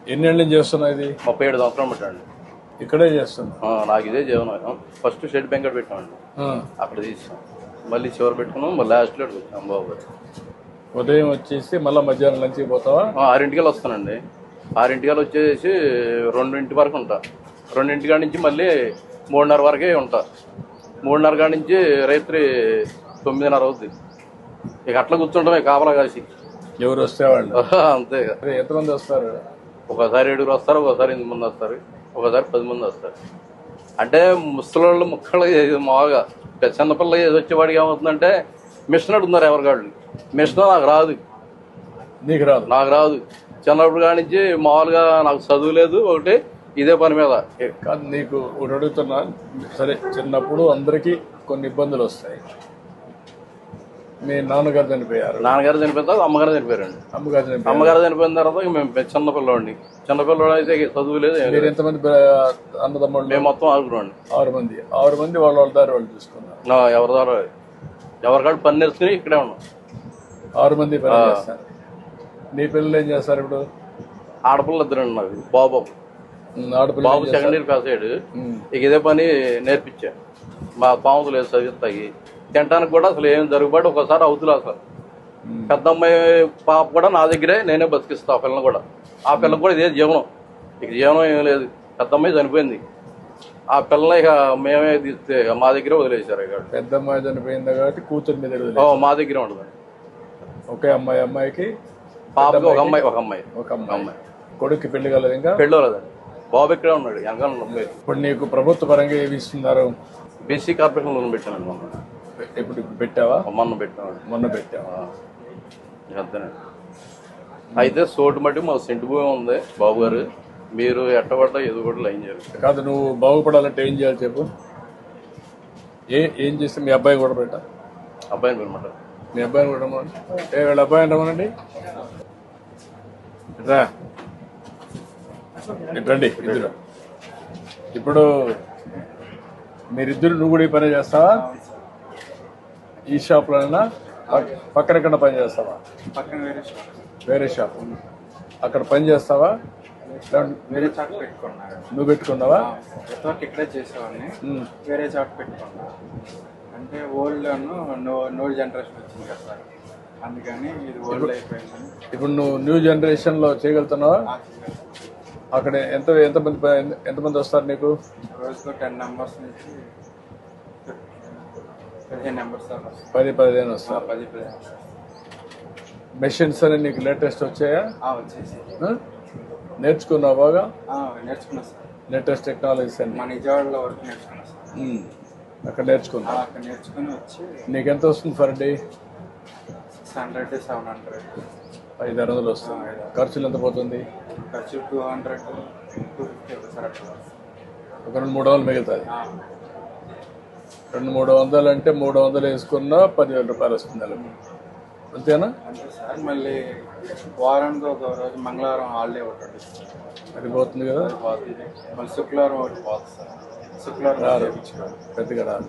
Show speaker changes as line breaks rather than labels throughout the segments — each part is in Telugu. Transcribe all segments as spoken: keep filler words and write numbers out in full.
ఎన్నేళ్ళ నుంచి చేస్తున్నా ఇది?
ముప్పై ఏడు సంవత్సరాలు పెట్టండి.
ఇక్కడే చేస్తున్నా.
నాకు ఇదే జీవనం. ఫస్ట్ షెడ్ బెంకట్ పెట్టామండి, అక్కడ తీసాం. మళ్ళీ చివరి పెట్టుకున్నాం, మళ్ళీ లాస్ట్లో వచ్చాం బాబు.
ఉదయం వచ్చేసి మళ్ళీ మధ్యాహ్నం లంచ్కి పోతావా?
ఆరింటికల్ వస్తానండి. ఆరింటికల్ వచ్చేసి రెండింటి వరకు ఉంటా. రెండింటి కాడి నుంచి మళ్ళీ మూడున్నర వరకే ఉంటా. మూడున్నర కాడి నుంచి రాత్రి తొమ్మిదిన్నర అవుతుంది. ఇక అట్లా కూర్చుంటామే కాపలా కాసి.
ఎవరు వస్తే వాళ్ళు
అంతే.
ఎంతమంది వస్తారు?
ఒకసారి ఏడుగురు వస్తారు, ఒకసారి ఎనిమిది మంది వస్తారు, ఒకసారి పది మంది వస్తారు. అంటే ముసలోళ్ళు ముక్కలు మామూలుగా చిన్నపిల్ల ఏది వచ్చేవాడికి ఏమవుతుందంటే మిషన్ అడుగుతున్నారు ఎవరికాళ్ళు. మిషన్ నాకు రాదు.
నీకు రాదు?
నాకు రాదు. చిన్నప్పుడు కాడి నుంచి మామూలుగా నాకు చదువు లేదు, ఒకటి ఇదే పని మీద.
కాదు, నీకు ఒకటి అడుగుతున్నా. సరే, చిన్నప్పుడు అందరికీ కొన్ని ఇబ్బందులు వస్తాయి. మీ నాన్నగారు చనిపోయారు,
నాన్నగారు చనిపోయిన తర్వాత అమ్మగారు చనిపోయారండి.
అమ్మగారు చనిపోయారు.
అమ్మగారు చనిపోయిన తర్వాత మేము చిన్నపిల్లవాడిని. చిన్నపిల్లవాడు అయితే చదువు లేదు.
మీరు ఎంతమంది అన్నదమ్ముళ్ళు?
మేము మొత్తం ఆరుగురు.
ఆరు మంది. ఆరు మంది వాళ్ళ వాళ్ళ దారి వాళ్ళు చూసుకున్నారు.
ఎవరి ద్వారా ఎవరికాడు పని నేర్చుకుని ఇక్కడే ఉన్నాం. ఆరు
మంది పని చేస్తారు. నీ పిల్లలు ఏం చేస్తారు ఇప్పుడు?
ఆడపిల్ల ఇద్దరండి నాకు. బాబు
ఆడపిల్ల
బాబు సెకండ్ ఇయర్ పాస్ అయ్యాడు. ఇక ఇదే పని నేర్పించా. మా పాముతులు లేదు చదివిస్తాయి. తినడానికి కూడా అసలు ఏం జరుగుబాటు ఒకసారి అవుతులే. అసలు పెద్ద అమ్మాయి పాప కూడా నా దగ్గరే నేనే బతికిస్తా. ఆ పిల్లని కూడా, ఆ పిల్లకి కూడా ఇదే జీవనం. ఇక జీవనం ఏం లేదు. పెద్ద అమ్మాయి చనిపోయింది. ఆ పిల్లని ఇక మేమే తీస్తే మా దగ్గరే వదిలేశారు. ఇక
పెద్ద అమ్మాయి చనిపోయింది కాబట్టి కూతురు మీద
మా దగ్గరే ఉండదు.
ఒకే అమ్మాయి. అమ్మాయికి
పాపకి ఒక అమ్మాయి ఒక అమ్మాయి
ఒక అమ్మాయి. కొడుక్కి పెళ్లి కలదు? ఇంకా
పెళ్ళి కలదండి. బాబు ఇక్కడే ఉన్నాడు. వెనకాల.
ఇప్పుడు నీకు ప్రభుత్వ పరంగా ఏమి ఇస్తున్నారు?
బీసీ కార్పొరేషన్ లోన్ పెట్టానండి మొన్న.
ఇప్పుడు పెట్టావా?
మొన్న పెట్టాను.
మొన్న పెట్టావా?
అంతేనండి. అయితే సోటు మట్టి మా సెంటు భూమి ఉంది బాబు గారు. మీరు ఎట్టబడ్డా ఏదో కూడా లైన్ చేయాలి.
కాదు, నువ్వు బాగుపడాలంటే ఏం చేయాలి చెప్పు? ఏ ఏం చేస్తే మీ అబ్బాయి కూడా పెట్టా?
అబ్బాయిని అనమాట.
మీ అబ్బాయిని కూడా రమ్మనండి. ఏ వీళ్ళ అబ్బాయిని రమ్మనండి. రా, రండి ఇద్దరు. ఇప్పుడు మీరిద్దరు నువ్వు కూడా ఈ పని చేస్తావా? ఈ షాప్లోనైనా పక్కన ఎక్కడ పని చేస్తావా? వేరే షాప్. అక్కడ పని చేస్తావా?
వేరే చాట్ పెట్టుకున్నా.
నువ్వు పెట్టుకున్నావా?
ఇక్కడే చేసేవాడిని. వేరే చాట్ పెట్టుకున్నా. అంటే ఓల్డ్ నో నో జనరేషన్ వచ్చింది కదా సార్, అందుకని ఇది ఓల్డ్ అయిపోయింది.
ఇప్పుడు నువ్వు న్యూ జనరేషన్ లో చేయగలుగుతున్నావా? అక్కడ ఎంత ఎంతమంది ఎంతమంది వస్తారు నీకు?
రోజుకు టెన్ నెంబర్స్ నుంచి పదిహేను నెంబర్స్
పది పదిహేను వస్తారు.
పది పదిహేను
మెషిన్స్ అని నీకు లేటెస్ట్ వచ్చాయా?
వచ్చేసి
నేర్చుకున్నావు బాగా?
నేర్చుకున్నా సార్.
లేటెస్ట్ టెక్నాలజీస్ అని
మా నిజవాడలో వరకు నేర్చుకున్నా సార్.
అక్కడ నేర్చుకున్నా.
అక్కడ నేర్చుకుని వచ్చి
నీకు ఎంత వస్తుంది for day?
Six hundred seven hundred
ఐదు ఆరు వందలు వస్తుంది. ఖర్చులు ఎంత పోతుంది?
ఖర్చు two hundred two fifty sir. అట్లా
ఒక రెండు మూడు వందలు మిగులుతుంది. రెండు మూడు వందలు అంటే మూడు వందలు వేసుకున్నా పదివేల రూపాయలు వస్తుంది నెలకు. అంతేనా?
అంతే సార్. మళ్ళీ వారానికి ఒక రోజు మంగళవారం హాలిడే ఒకటి
అది పోతుంది కదా.
పోతుంది. మళ్ళీ శుక్రవారం ఒకటి పోతుంది సార్. శుక్రవారం
రాదు, పెద్దగా రాదు.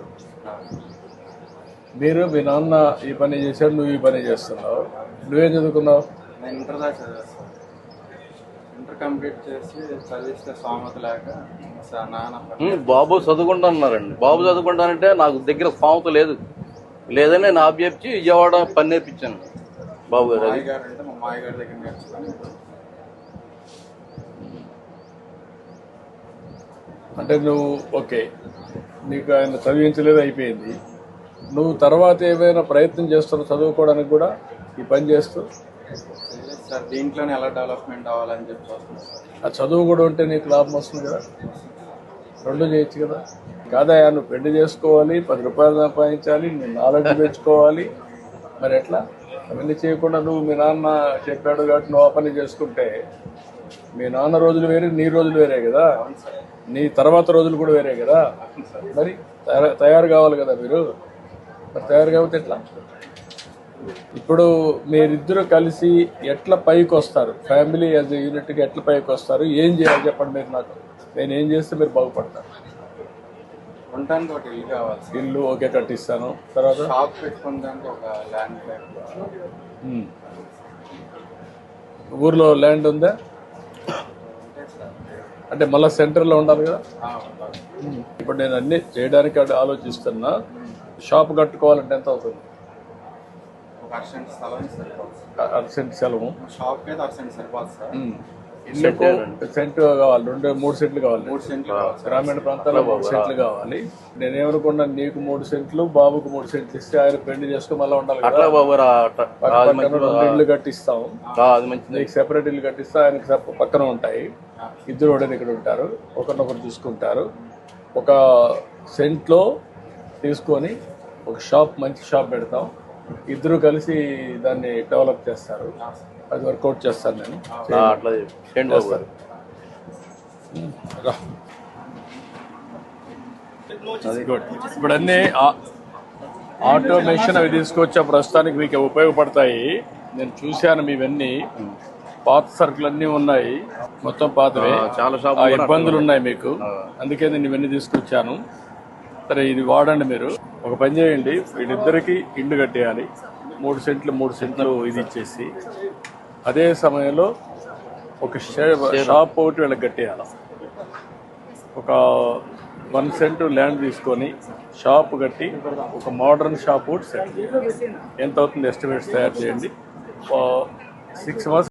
మీరు మీ నాన్న ఈ పని చేశాడు, నువ్వు ఈ పని చేస్తున్నావు. నువ్వేం చదువుకున్నావు?
నేను ఇంటర్ దాకా చదివాను సార్. ఇంటర్ కంప్లీట్ చేసి చదివిస్తే స్వామత లేక సార్ నాన్న
బాబు చదువుకుంటున్నారండి. బాబు చదువుకుంటానంటే నాకు దగ్గర స్వామత లేదు. లేదని నేను ఆబ్జెప్చి విజయవాడ పని నేర్పించాను బాబు గారు.
మాయ గారు అంటే మా మాయ గారి దగ్గర నేర్చుకుని.
అంటే నువ్వు ఓకే, నీకు ఆయన చదివించలేదు, అయిపోయింది. నువ్వు తర్వాత ఏమైనా ప్రయత్నం చేస్తున్నావు చదువుకోవడానికి కూడా ఈ పని చేస్తూ?
సార్ దీంట్లోనే ఎలా డెవలప్మెంట్ అవ్వాలని చెప్పి వస్తుంది సార్.
ఆ చదువు కూడా ఉంటే నీకు లాభం వస్తుంది కదా, రెండు చేయొచ్చు కదా. కాదా, నువ్వు పెళ్లి చేసుకోవాలి, పది రూపాయలు సంపాదించాలి, నీ నాలెడ్జ్ పెంచుకోవాలి. మరి ఎట్లా? అవన్నీ చేయకుండా నువ్వు మీ నాన్న చెప్పాడు కాబట్టి నువ్వు ఆ పని చేసుకుంటే మీ నాన్న రోజులు వేరే, నీ రోజులు వేరే కదా, నీ తర్వాత రోజులు కూడా వేరే కదా. మరి తయారు కావాలి కదా మీరు. మరి తయారు కాకపోతే ఎట్లా? ఇప్పుడు మీరిద్దరు కలిసి ఎట్లా పైకి వస్తారు? ఫ్యామిలీ యాజ్ ఎ యూనిట్గా ఎట్లా పైకి వస్తారు? ఏం చేయాలి చెప్పండి మీరు నాకు. నేను ఏం చేస్తే మీరు బాగుపడతారు?
ఉండడానికి ఒక ఇల్లు కావాలి.
ఇల్లు ఓకే, కట్టిస్తాను. తర్వాత
షాప్ పెట్టుకోవడానికి ఒక ల్యాండ్.
ఊర్లో ల్యాండ్ ఉందా? అంటే మళ్ళీ సెంటర్లో ఉండాలి కదా.
ఆ, ఉండాలి.
ఇప్పుడు నేను అన్ని చేయడానికి అంటే ఆలోచిస్తున్నా. షాప్ కట్టుకోవాలంటే ఎంత అవుతుంది?
ఒక అర్సెంట్ స్థలం సరిపోతుంది.
అర్సెంట్ సెలవు
షాప్కి అయితే అర్సెంట్ సరిపోతుంది సార్.
ఇల్లుకు సెంట్ కావాలి, రెండు మూడు సెంట్లు కావాలి.
మూడు సెంట్లు కావాలి సార్.
గ్రామీణ ప్రాంతాల్లో మూడు సెంట్లు కావాలి. నేనేమనుకున్నా, నీకు మూడు సెంట్లు, బాబుకు మూడు సెంట్లు ఇస్తే ఆయన పెళ్లి చేసుకుని మళ్ళీ ఉండాలి కదా.
అట్లా బాబు రా, అట్లా.
పక్క
అది
పక్కన
మంచిది.
రెండు ఇల్లు కట్టిస్తాం.
ఆ, అది మంచిది.
నీకు సెపరేట్ ఇల్లు కట్టిస్తా, ఆయనకి సెప- పక్కన ఉంటాయి. ఇద్దరు కూడా ఇక్కడ ఉంటారు, ఒకరినొకరు చూసుకుంటారు. ఒక సెంట్లో తీసుకొని ఒక షాప్, మంచి షాప్ పెడతాం. ఇద్దరు కలిసి దాన్ని డెవలప్ చేస్తారు. అది వర్కౌట్ చేస్తాను నేను.
ఆ, అట్లా చేయండి బాబు గారు.
రా. గుడ్. ఇప్పుడు అన్ని ఆ- ఆటోమేషన్ అవి తీసుకొచ్చా, ప్రస్తుతానికి మీకు ఉపయోగపడతాయి. నేను చూశాను మీవన్నీ పాత సరుకులు అన్నీ ఉన్నాయి, మొత్తం పాతవే.
ఆ, చాలా షాపులు
ఆ
కూడా
ఇబ్బందులు ఉన్నాయి మీకు, అందుకే నేను ఇవన్నీ తీసుకొచ్చాను. సరే, ఇది వాడండి మీరు. ఒక పని చేయండి, వీళ్ళిద్దరికి ఇల్లు కట్టేయాలి. మూడు సెంట్లు మూడు సెంట్లు ఇది ఇచ్చేసి, అదే సమయంలో ఒక షే- షాప్ ఒకటి వీళ్ళకి కట్టేయాలి. ఒక వన్ సెంట్ ల్యాండ్ తీసుకొని షాప్ కట్టి ఒక మోడర్న్ షాప్ ఒకటి సెట్. ఎంత అవుతుంది ఎస్టిమేట్స్ తయారు చేయండి. Six months